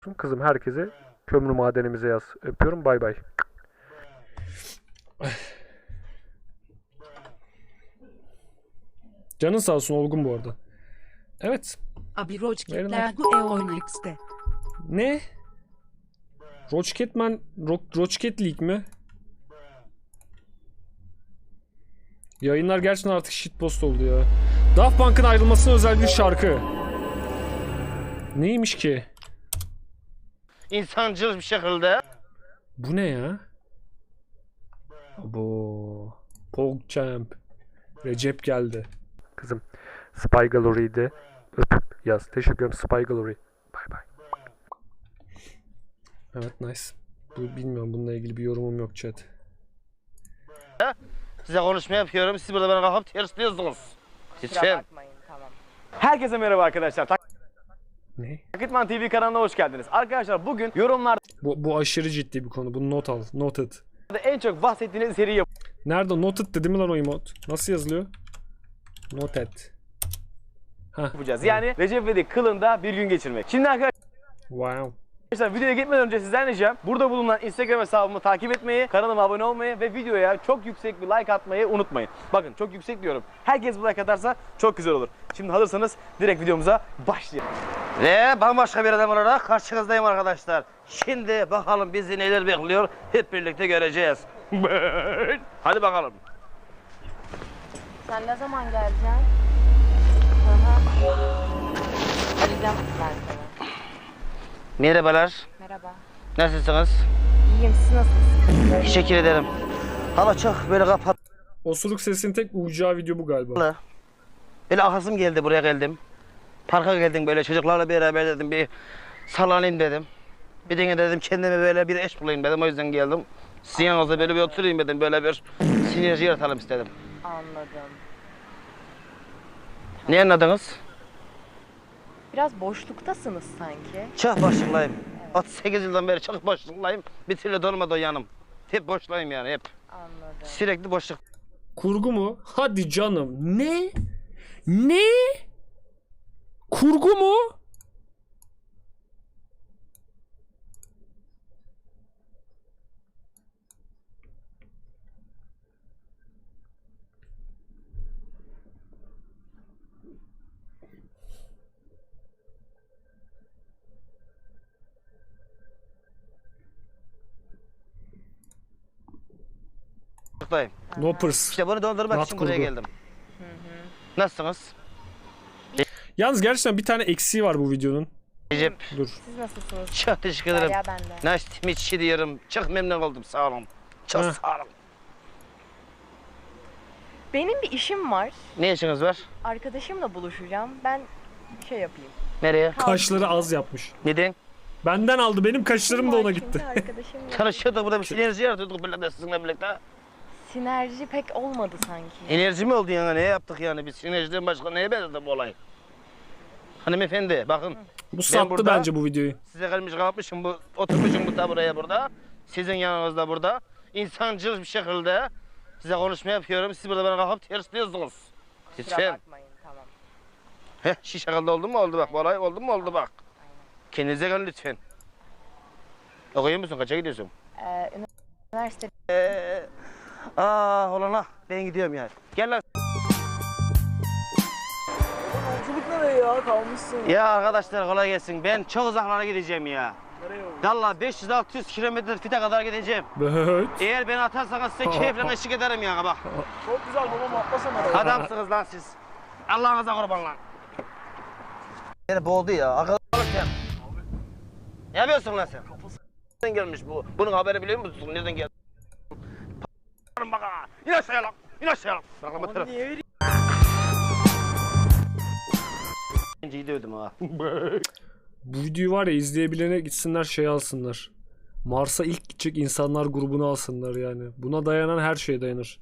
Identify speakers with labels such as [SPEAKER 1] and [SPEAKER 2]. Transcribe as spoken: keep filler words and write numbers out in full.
[SPEAKER 1] Kızım herkese kömür madenimize yaz. Öpüyorum, bay bay.
[SPEAKER 2] Canın sağ olsun Olgun bu arada. Evet.
[SPEAKER 3] Abi Roachkitler
[SPEAKER 2] Verin
[SPEAKER 3] bu E Oynix'te.
[SPEAKER 2] Ne? Roachkitman Ro Roachkit League mi? Yayınlar gerçekten artık shitpost oldu ya. Daft Punk'ın ayrılmasına özel bir şarkı. Neymiş ki?
[SPEAKER 4] İnsancıl bir şekilde.
[SPEAKER 2] Bu ne ya? Bu PogChamp. Recep geldi.
[SPEAKER 1] Kızım Spy Gallery'de öpüp yaz. Teşekkür ederim Spy Gallery. Bay bay.
[SPEAKER 2] Evet, nice. Bu bilmiyorum, bununla ilgili bir yorumum yok chat.
[SPEAKER 4] Size konuşma yapıyorum. Siz burada bana kalkıp tersliyorsunuz. Lütfen.
[SPEAKER 5] Bakmayın, tamam.
[SPEAKER 6] Herkese merhaba arkadaşlar.
[SPEAKER 2] Ne?
[SPEAKER 6] Takitman T V kanalına hoş geldiniz. Arkadaşlar bugün yorumlarda
[SPEAKER 2] Bu, bu aşırı ciddi bir konu. Bunu not al. Noted.
[SPEAKER 6] en çok bahsettiğiniz seriyi
[SPEAKER 2] Nerede? Noted dedi mi lan o emot? Nasıl yazılıyor? Noted. Hah.
[SPEAKER 6] yapacağız. Yani Recep İvedik kılında bir gün geçirmek. Şimdi arkadaşlar
[SPEAKER 2] Wow.
[SPEAKER 6] videoya gitmeden önce sizden ricam burada bulunan Instagram hesabımı takip etmeyi, kanalıma abone olmayı ve videoya çok yüksek bir like atmayı unutmayın. Bakın çok yüksek diyorum. Herkes bu like atarsa çok güzel olur. Şimdi hazırsanız direkt videomuza başlayalım.
[SPEAKER 4] Ve bambaşka bir adam olarak karşınızdayım arkadaşlar. Şimdi bakalım bizi neler bekliyor. Hep birlikte göreceğiz. Hadi bakalım.
[SPEAKER 5] Sen ne zaman geleceksin? Hı hı. Arayacağım ben seni.
[SPEAKER 4] Merhabalar.
[SPEAKER 5] Merhaba.
[SPEAKER 4] Nasılsınız?
[SPEAKER 5] İyiyim, siz nasılsınız?
[SPEAKER 4] Teşekkür ederim. Hava çok böyle kapalı.
[SPEAKER 2] Osuruk sesinin tek uyacağı video bu galiba.
[SPEAKER 4] Böyle ahasım geldi, buraya geldim. Parka geldim, böyle çocuklarla beraber dedim bir sallanayım dedim. Bir de dedim kendime böyle bir eş bulayım dedim, o yüzden geldim. Sizin yanınızda böyle bir oturayım dedim, böyle bir sinerji yaratalım istedim.
[SPEAKER 5] Anladım.
[SPEAKER 4] Ne anladınız?
[SPEAKER 5] Biraz boşluktasınız sanki.
[SPEAKER 4] Çok boşluktayım. otuz sekiz yıldan beri çok boşluktayım. Bir türlü dolmadı o yanım. Hep boşluktayım yani, hep.
[SPEAKER 5] Anladım.
[SPEAKER 4] Sürekli boşluk.
[SPEAKER 2] Kurgu mu? Hadi canım. Ne? Ne? Kurgu mu?
[SPEAKER 4] boşluktayım.
[SPEAKER 2] No pers.
[SPEAKER 4] İşte bunu doldurmak
[SPEAKER 2] Rahat
[SPEAKER 4] için buraya
[SPEAKER 2] kurgu.
[SPEAKER 4] geldim. Nasılsınız?
[SPEAKER 2] Yalnız gerçekten bir tane eksiği var bu videonun.
[SPEAKER 4] Recep,
[SPEAKER 2] Dur.
[SPEAKER 5] Siz nasılsınız?
[SPEAKER 4] çok teşekkür ederim.
[SPEAKER 5] Derya ben de.
[SPEAKER 4] Nice to meet you diyorum. Çok memnun oldum, sağ olun. Çok
[SPEAKER 2] Heh.
[SPEAKER 4] sağ olun.
[SPEAKER 5] Benim bir işim var.
[SPEAKER 4] Ne işiniz var?
[SPEAKER 5] Arkadaşımla buluşacağım. Ben şey yapayım.
[SPEAKER 4] Nereye?
[SPEAKER 2] Kaşları az yapmış.
[SPEAKER 4] Neden?
[SPEAKER 2] Benden aldı. Benim kaşlarım da ona gitti.
[SPEAKER 5] Çünkü arkadaşım
[SPEAKER 4] Tanışıyorduk, burada bir sinerji yaratıyorduk böyle de sizinle birlikte.
[SPEAKER 5] sinerji pek olmadı sanki.
[SPEAKER 4] Enerji mi oldu yani? Ne yaptık yani? Biz sinerjiden başka neye benzedi bu olay? Hanımefendi, bakın.
[SPEAKER 2] Bu sattı
[SPEAKER 4] burada-
[SPEAKER 2] bence bu videoyu.
[SPEAKER 4] Size gelmiş kalkmışım, bu, oturmuşum bu buraya burada. Sizin yanınızda burada. İnsancıl bir şekilde size konuşma yapıyorum. Siz burada bana kalkıp tersliyorsunuz.
[SPEAKER 5] Kusura
[SPEAKER 4] Lütfen.
[SPEAKER 5] bakmayın, tamam.
[SPEAKER 4] Heh, şu şekilde oldu mu? Oldu bak. Bu olay oldu mu? Oldu bak. Kendinize gelin lütfen. Okuyor musun? Kaça gidiyorsun?
[SPEAKER 5] Ee, üniversite
[SPEAKER 4] Ee, aa olana ben gidiyorum yani. Gel lan.
[SPEAKER 6] Yolculuk nereye ya? Kalmışsın.
[SPEAKER 4] Ya arkadaşlar kolay gelsin. Ben çok uzaklara gideceğim ya.
[SPEAKER 6] Nereye oldu?
[SPEAKER 4] Valla beş yüz altı yüz kilometre fite kadar gideceğim.
[SPEAKER 2] Evet.
[SPEAKER 4] Eğer beni atarsanız size keyifle eşlik ederim yani bak.
[SPEAKER 6] Çok güzel babam atlasana arabaya.
[SPEAKER 4] Adamsınız lan siz. Allah'ınıza kurban lan. Beni boğdu ya. Akıllı ol sen. Ne yapıyorsun lan sen? Nereden gelmiş bu? Bunun haberi biliyor musun? Nereden geldi? P***larım bak ha. İn aşağıya lan. İn aşağıya lan. Bak lan bu taraf.
[SPEAKER 6] Niye vereyim?
[SPEAKER 4] İyi dövdüm ha.
[SPEAKER 2] Bu videoyu var ya, izleyebilene gitsinler şey alsınlar. Mars'a ilk gidecek insanlar grubunu alsınlar yani. Buna dayanan her şeye dayanır.